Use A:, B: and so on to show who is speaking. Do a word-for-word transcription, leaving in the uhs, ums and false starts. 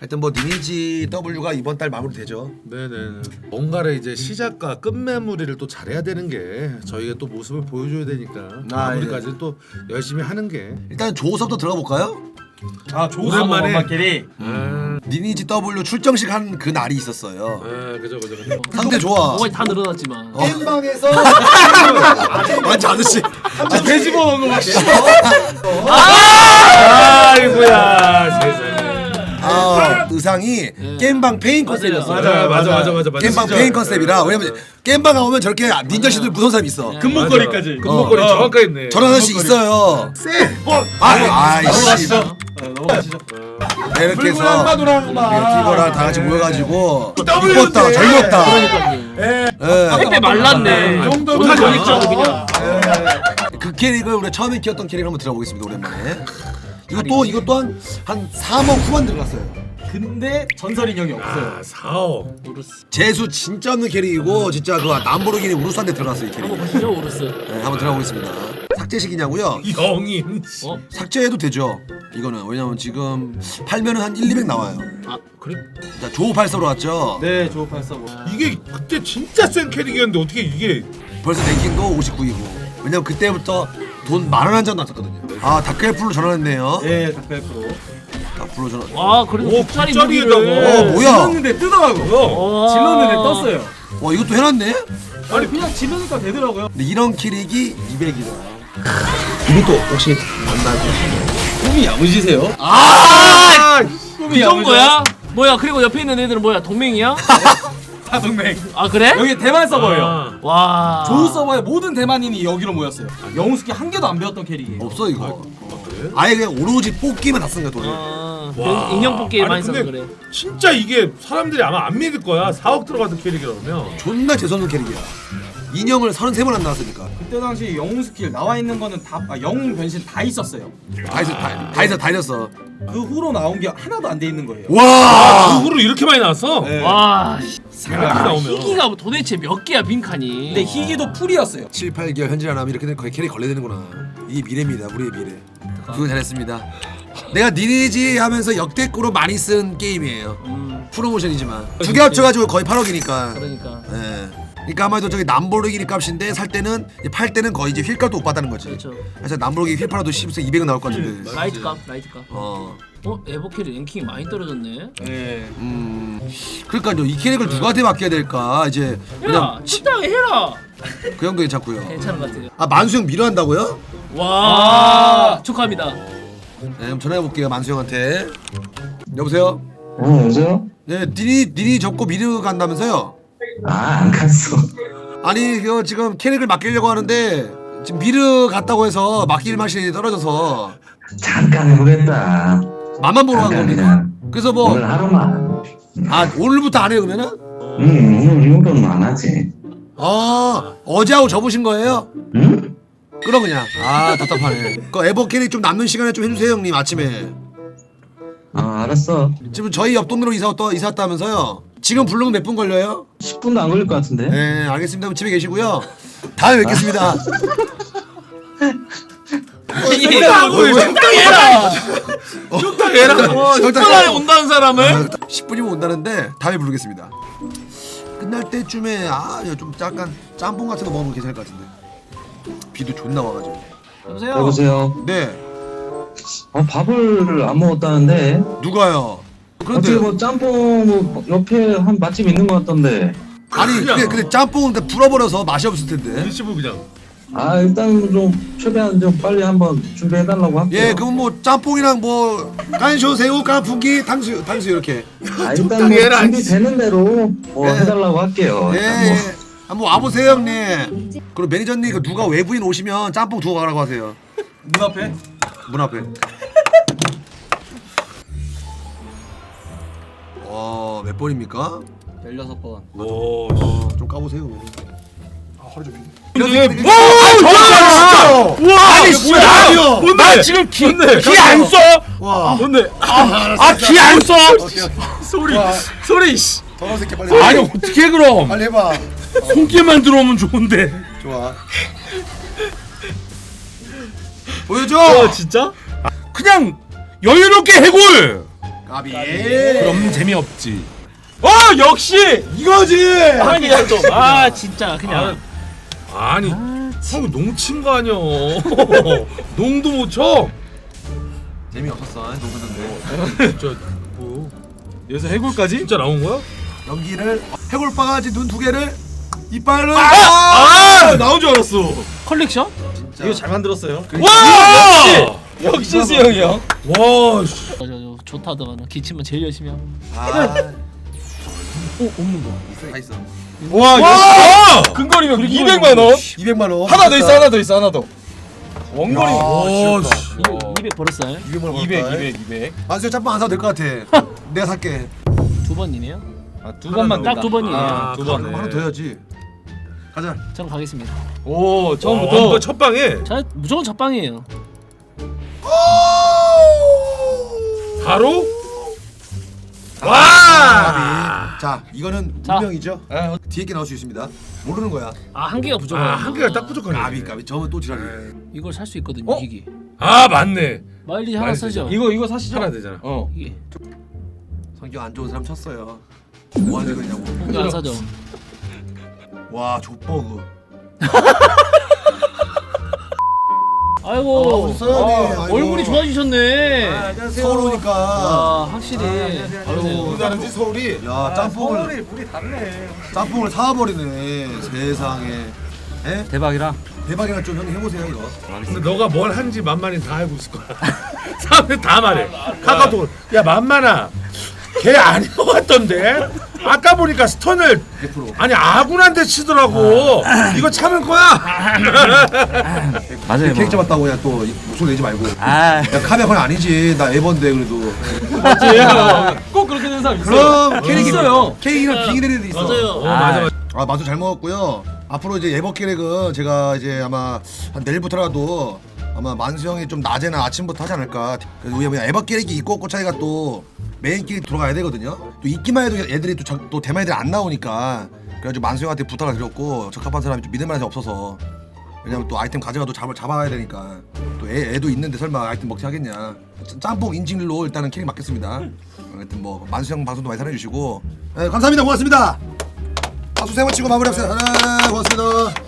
A: 하여튼 뭐 니니지 W가 이번 달 마무리되죠.
B: 네네. 뭔가를 이제 시작과 끝마무리를 또 잘해야 되는 게 저희가 또 모습을 보여줘야 되니까
A: 아,
B: 마무리까지
A: 예.
B: 또 열심히 하는 게.
A: 일단 조섭도 들어가 볼까요?
C: 아 조우석
B: 오랜만에.
C: 원마끼리
B: 음.
A: 니니지 W 출정식 한 그 날이 있었어요.
B: 아 그죠 그죠 그죠.
A: 상태 좋아.
D: 뭐가 다 늘어났지만.
C: 게임방에서
A: 완전 아저씨.
C: 아, 돼지버 넣은 거 막
B: 아이고야 세상에.
A: 아, 의상이 게임방 페인 컨셉이었어요.
B: 맞아 맞아 맞아 맞아 맞아.
A: 게임방
B: 진짜.
A: 페인 컨셉이라. 왜냐면 게임방 가면 저렇게 닌자씨들 무서운 사람 있어.
C: 금목걸이까지.
B: 금목걸이
C: 어.
B: 정확하게 있네.
A: 저런 아저씨 있어요.
B: 쎄.
A: 아, 아이씨.
C: 넘어가시죠. 네, 넘어가시죠.
A: 네, 이렇게 해서
C: 한마도랑만
A: 이거랑 다 같이 모여가지고 이뻤다, 젊었다.
D: 그러니까요.
A: 예.
D: 택배 말랐네.
C: 이 정도면
D: 오늘
C: 그냥.
D: 저녁 그냥.
A: 그 캐릭을 우리가 처음에 키웠던 캐릭을 한번 들어보겠습니다. 오랜만에. 이거 또 이거 또한 한 삼억 후반 들어갔어요.
C: 근데 전설 인형이 없어요.
B: 아 사억.
D: 우르스.
A: 재수 진짜 없는 캐릭이고 진짜 그 람보르기니 우루스한테 들어갔어요 이 캐릭.
D: 한번 보시죠 우르스.
A: 네, 한번 들어보겠습니다. 삭제식이냐고요?
B: 영인.
D: 어?
A: 삭제해도 되죠. 이거는 왜냐면 지금 팔면은 한 일, 이백 나와요.
D: 아 그래?
A: 자, 조팔사로 왔죠.
C: 네, 조우팔사고.
B: 이게 그때 진짜 센 캐릭이었는데 어떻게 이게.
A: 벌써 랭킹도 오십구이고. 왜냐면 그때부터 돈 만 원 한 장 났었거든요. 아 다크엘프로 전환했네요.
C: 네, 닭백프로.
A: 앞으로 전환.
D: 와 그래도
B: 오,
D: 국자리
B: 국자리에다가.
D: 무기를.
A: 어, 뭐야?
C: 질렀는데 뜨더라고.
D: 와.
C: 질렀는데 떴어요.
A: 와 이것도 해놨네?
C: 아니 그냥 지르니까 되더라고요.
A: 근데 이런 캐릭이 이백이다. 이것도 혹시 만나죠?
C: 꿈이 야무지세요?
D: 아!
C: 꿈이
D: 그 정도야? 뭐야 그리고 옆에 있는 애들은 뭐야 동맹이야?
C: 사동맹.
D: 아 그래?
C: 여기 대만 서버예요.
B: 아.
D: 와.
C: 조우 서버에 모든 대만인이 여기로 모였어요. 영웅스키 한 개도 안 배웠던 캐릭이에요.
A: 없어 이거.
B: 그래?
A: 아예 그냥 오로지 뽑기만 다 쓴 거야 돈을.
D: 아,
B: 와.
D: 인형 뽑기
B: 아니,
D: 많이 써서
B: 근데
D: 그래.
B: 진짜 이게 사람들이 아마 안 믿을 거야. 사억 들어가던 캐릭이라면.
A: 존나 재수없는 캐릭이야. 인형을 서른세 번 안 나왔으니까.
C: 그때 당시 영웅 스킬 나와 있는 거는 다 아, 영웅 변신 다 있었어요.
A: 다 있어, 다, 다 있어, 다 있었어.
C: 그 후로 나온 게 하나도 안 돼 있는 거예요.
A: 와.
B: 그 후로 이렇게 많이 나왔어?
C: 네.
D: 와.
B: 이렇게 나오면.
D: 희기가 도대체 몇 개야 빈칸이?
C: 근데 희기도 풀이었어요.
A: 칠, 팔 개월 현질 안 하면 이렇게 되면 거의 캐릭 걸려되는구나. 이게 미래입니다, 우리의 미래. 그거 잘했습니다. 내가 니니지 하면서 역대급으로 많이 쓴 게임이에요.
D: 음,
A: 프로모션이지만 두 개 합쳐가지고 거의 팔억이니까.
D: 그러니까.
A: 예. 그러니까 아마도 저기 남보르기니 값인데 살 때는 이제 팔 때는 거의 이제 휠값도 못 받다는 거지.
D: 그렇죠.
A: 그래서 남보르기 휠 팔아도 십에서 이백은 나올 것 같은데.
D: 라이트 값, 라이트 값.
A: 어.
D: 어, 에버캐리 랭킹이 많이 떨어졌네.
C: 네.
A: 음. 그러니까요. 이 캐릭을 누구한테 맡겨야 될까? 이제
D: 야,
A: 그냥
D: 적당히 해라.
A: 그 형도 괜찮고요.
D: 괜찮은 것 같아요.
A: 아 만수 형 미러 한다고요?
D: 와, 축하합니다.
A: 네, 그럼 전화해 볼게요. 만수 형한테. 여보세요?
E: 어, 여보세요?
A: 네, 니니 니니 접고 미르 간다면서요?
E: 아, 안 갔어.
A: 아니, 그 지금 캐릭을 맡기려고 하는데 지금 미르 갔다고 해서 맡길 맛이 떨어져서
E: 잠깐 해보겠다.
A: 맛만 보러 간
E: 잠깐
A: 겁니까?
E: 그냥.
A: 그래서 뭐
E: 오늘 하루만.
A: 아 오늘부터 안 해요 그러면은?
E: 응, 오늘 이후로는 안 하지.
A: 아 어제하고 접으신 거예요?
E: 응?
A: 끊어 그냥. 아 답답하네. 그 에버 캐릭 좀 남는 시간에 좀 해주세요 형님 아침에.
E: 아, 알았어.
A: 지금 저희 옆 동네로 이사 왔다 이사 왔다면서요? 지금 부르면 몇 분 걸려요?
E: 십 분도 안 걸릴 것 같은데?
A: 네 알겠습니다. 그럼 집에 계시고요. 다음에 뵙겠습니다.
B: 적당히 적당히 해라. 적당히 해라.
D: 십 분 안에 온다는 사람을?
A: 십 분이면 온다는데 다음에 부르겠습니다. 끝날 때쯤에 아좀 약간 짬뽕 같은 거 먹으면 괜찮을 것 같은데. 비도 존나 와가지고.
D: 여보세요?
E: 여보세요?
A: 네
E: 어, 밥을 안 먹었다는데?
A: 누가요? 그런데
E: 어떻게 뭐 짬뽕 뭐 옆에 한 맛집 있는 것 같던데?
A: 아니 근데 근데 짬뽕은 다 불어버려서 맛이 없을 텐데.
B: 일시불 그냥.
E: 아, 일단 좀 최대한 좀 빨리 한번 준비해달라고 할게요.
A: 예, 그럼 뭐 짬뽕이랑 뭐 깐쇼 새우 깐풍기 탕수 탕수 이렇게.
E: 아, 일단 뭐 준비되는 대로 뭐
A: 예.
E: 해달라고 할게요.
A: 예,
E: 일단 뭐.
A: 예. 한번 와보세요 형님. 그리고 매니저님 그 누가 외부인 오시면 짬뽕 두고 가라고 하세요.
C: 문 앞에.
A: 문 앞에. 와, 몇 번입니까?
C: 열여섯 번.
B: 오.
A: 어, 좀 까보세요. 아, 허리 좀.
B: 근데
A: 이렇게-
B: 뭐? 와. 아니 뭐야? 뭔데? 나 지금 기안 써.
A: 와,
B: 뭔데?
A: 아기 안 써.
B: 소리 소리 씨.
A: 더러운 새끼 빨리.
B: 아니 어떻게 그럼?
A: 빨리 해봐.
B: 손길만 들어오면 좋은데.
A: 좋아. 보여줘.
B: 어 진짜? 그냥 여유롭게 해골.
A: 까비.
B: 그럼 재미없지.
C: 어 역시
A: 이거지.
D: 한계야 좀. 아 진짜 그냥.
B: 아니 형 농친 거 아니야. 농도 못 쳐.
A: 재미없었어. 농구던데.
B: 진짜 뭐
C: 여기서 해골까지?
B: 진짜 나온 거야?
A: 연기를 해골 바가지 눈 두 개를 이빨로.
C: 아 나온 줄 알았어.
D: 컬렉션?
A: 진짜.
C: 이거 잘 만들었어요.
B: 와!
C: 역시 수영이 형.
B: 와 씨.
D: 저, 저, 저 좋다더만 기침은 제일 열심히 하고.
A: 아.
D: 오 없는 거.
A: 있어 다 있어.
C: 와
B: 와!
C: 역시 근거리면 이백만 원.
A: 이백만 원.
C: 하나 더 있어 하나 더 있어 하나 더. 원거리.
B: 와 씨.
D: 이거 이백 벌었어요?
A: 이백만 원.
C: 이백 이백 이백.
A: 만수 짬뽕 안 사도 될 것 같아. 내가 살게.
D: 두 번이네요.
C: 아두 번만
D: 딱 두 번이에요.
B: 아,
C: 두
A: 그럼
C: 번.
A: 하나 더 해야지. 가자.
D: 저는 가겠습니다.
C: 오
B: 어,
C: 처음부터.
B: 첫 방에
D: 자 무조건 첫방이에요.
B: 바로 와!
A: 와. 자, 이거는
D: 자.
A: 운명이죠.
C: 아,
A: 뒤에 게 나올 수 있습니다. 모르는 거야.
D: 아 한 개가 부족해요.
B: 아, 한 개가 딱 부족하네.
A: 까비 까비. 저는 또 지랄이.
D: 이걸 살 수 있거든요.
C: 어?
D: 이게
B: 아, 맞네.
D: 마일리지 하나
B: 마일리지
D: 쓰죠.
C: 이거 이거 사시죠.
B: 하나 되잖아.
C: 어.
D: 이게
A: 성격 안 좋은 사람 쳤어요. 뭐 하는 거냐고.
D: 이거 안 사죠.
A: 와, 족버그.
D: 아이고
A: 아, 써야 돼.
D: 아,
A: 아이고.
D: 얼굴이 좋아지셨네.
C: 안녕하세요.
A: 서울 오니까.
D: 아 확실히.
A: 아이고,
C: 어디 다른지 서울이.
A: 야, 짬뽕을
C: 서울이 물이 다르네.
A: 짬뽕을 사버리네. 세상에. 에?
C: 대박이라.
A: 대박이나 좀 형님 해보세요 이거.
B: 근데 너가 뭘 한지 만만히 다 알고 있을 거야. 사람들 다 말해. 카카오톡. 야, 만만아. 걔 아닌 것 같던데. 아까 보니까 스턴을
A: 백 퍼센트.
B: 아니 아군한테 치더라고. 이거 참을 거야.
C: 맞아요.
A: 케이크 잡았다고 그냥 또 목소리 내지 말고.
C: 아.
A: 야, 카메라 그건 아니지. 나 에번데 그래도.
C: 맞지. 꼭 그렇게 되는 사람 있어요.
A: 그럼 케이크
C: 있어요.
A: 케이크랑 빙의되는 데 있어.
D: 맞아요.
B: 어, 맞아 맞아.
A: 아, 맛도 잘 먹었고요. 앞으로 이제 에버 캐릭은 제가 이제 아마 한 내일부터라도 아마 만수 형이 좀 낮에나 아침부터 하지 않을까. 그래서 우리 에버 캐릭이 있고 없고 차이가 또 메인 캐릭 들어가야 되거든요. 또 있기만 해도 애들이 또, 저, 또 대만 애들이 안 나오니까 그래가지고 만수 형한테 부탁을 드렸고 적합한 사람이 좀 믿을 만한 사람이 없어서. 왜냐면 또 아이템 가져가도 잡, 잡아야 되니까 또 애, 애도 있는데 설마 아이템 먹지 하겠냐. 짬뽕 인증일로 일단은 캐릭 맡겠습니다. 하여튼 뭐 만수 형 방송도 많이 사랑해주시고 네, 감사합니다. 고맙습니다. 박수 세 번 치고 마무리합시다. 네, 고맙습니다.